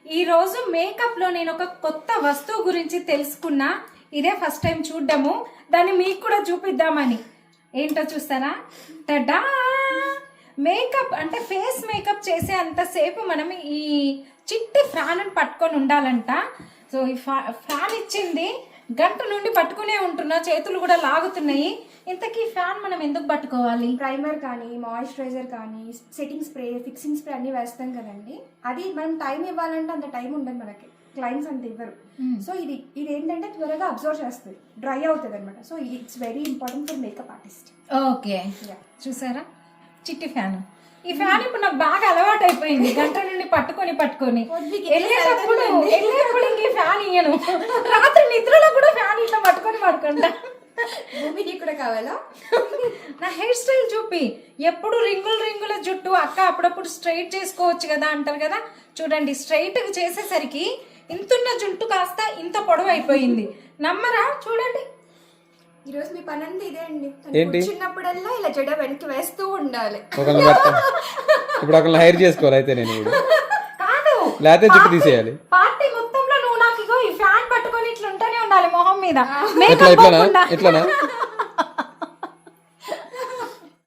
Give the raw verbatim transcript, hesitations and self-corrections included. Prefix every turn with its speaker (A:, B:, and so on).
A: ఈ రోజు మేకప్ లో నేను ఒక కొత్త వస్తువు గురించి తెలుసుకున్నా. ఇదే ఫస్ట్ టైం చూడ్డము, దాన్ని మీకు కూడా చూపిద్దామని. ఏంటో చూస్తారా? టడా! మేకప్ అంటే ఫేస్ మేకప్ చేసే అంతసేపు మనం ఈ చిట్టి ఫ్యాన్ అని పట్టుకొని ఉండాలంట. సో ఈ ఫ్యాన్ ఇచ్చింది, గంట నుండి పట్టుకునే ఉంటున్నా, చేతులు కూడా లాగుతున్నాయి. ఇంతకీ ఫ్యాన్ మనం ఎందుకు పట్టుకోవాలి?
B: ప్రైమర్ కానీ, మాయిశ్చరైజర్ కానీ, సెట్టింగ్ స్ప్రే, ఫిక్సింగ్ స్ప్రే అన్ని వేస్తాం కదండి. అది మనం టైం ఇవ్వాలంటే అంత టైం ఉండదు మనకి, క్లయింట్స్ అంత ఇవ్వరు. సో ఇది ఇది ఏంటంటే త్వరగా అబ్జర్వ్ చేస్తుంది, డ్రై అవుతుంది అనమాట. So it's very important for makeup artist.
A: Okay, చూసారా చిట్టి ఫ్యాన్. ఈ ఫ్యాన్ ఇప్పుడు నాకు బాగా అలవాటు అయిపోయింది, గంట నుండి పట్టుకొని పట్టుకొని వెళ్ళేటప్పుడు వెళ్ళేటప్పుడు ఇంక ఈ ఫ్యాన్ ఇయ్యను. రాత్రి నిద్రలో కూడా ఫ్యాన్ ఇట్లా పట్టుకొని పడుకుంటా.
B: భూమికి కూడా కావాలా?
A: నా హెయిర్ స్టైల్ చూపి, ఎప్పుడు రింగులు రింగుల జుట్టు అక్క అప్పుడప్పుడు స్ట్రైట్ చేసుకోవచ్చు కదా అంటారు కదా. చూడండి, స్ట్రైట్ చేసేసరికి ఇంతున్న జుట్టు కాస్త ఇంత పొడవు అయిపోయింది. నమ్మరా? చూడండి,
B: ఈ రోజు మీ పని అంతా ఇదే అండి.
C: ఏంటి?
B: చిన్నప్పుడల్లా ఇలా జడ వెనక్కి వేస్తూ ఉండాలి.
C: ఇప్పుడు ఒకళ్ళని హైర్ చేసుకోవాలి అయితే నేను
A: కాదు,
C: లేకపోతే జుట్టు తీసేయాలి.
A: పార్టీ మొత్తంలో నువ్వు నాకు ఇగో ఈ ఫ్యాన్ పట్టుకొని ఇట్లా ఉంటూనే ఉండాలి మొహం మీద.
C: ఎట్లా ఎట్లానా ఎట్లానా